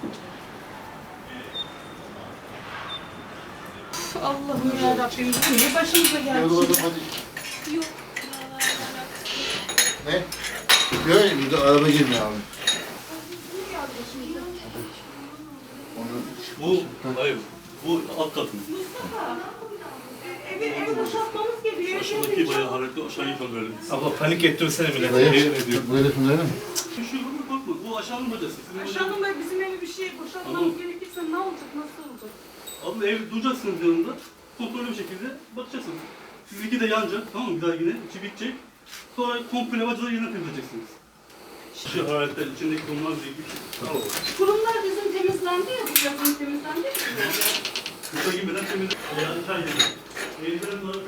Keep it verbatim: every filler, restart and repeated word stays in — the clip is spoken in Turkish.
Allah'ım yarabbim, ne başımıza geldi? Yok. Ne? Böyle bir de araba girmiyor abi. Bu, hayır, bu alt katın. Evi, evi boşaltmamız gerekiyor. Aşağıdaki bayağı hareketli, aşağıya yukarı Abla panik ettirsene millet. Buraya, Yemin ediyorum. buraya resimleri mi? Bir şey olur mu korkma, bu aşağının bacası. Aşağıdan da bizim evi bir şey boşaltmamız gerekirse ne olacak, nasıl olacak? Abla ev duracaksınız yanında, kontrollü bir şekilde bakacaksınız. Sizinki de yanacak, tamam mı? Bir daha yine, içi bitecek. Sonra komple bacaları yerine temizleyeceksiniz. Şu hayaletler içindeki konular değil, bir şey. Tamam. Kurumlar bizim temizlendi ya, bu yazın temizlendi ya. Kısa girmeden temizle. Yani çay yemeği. Evlerin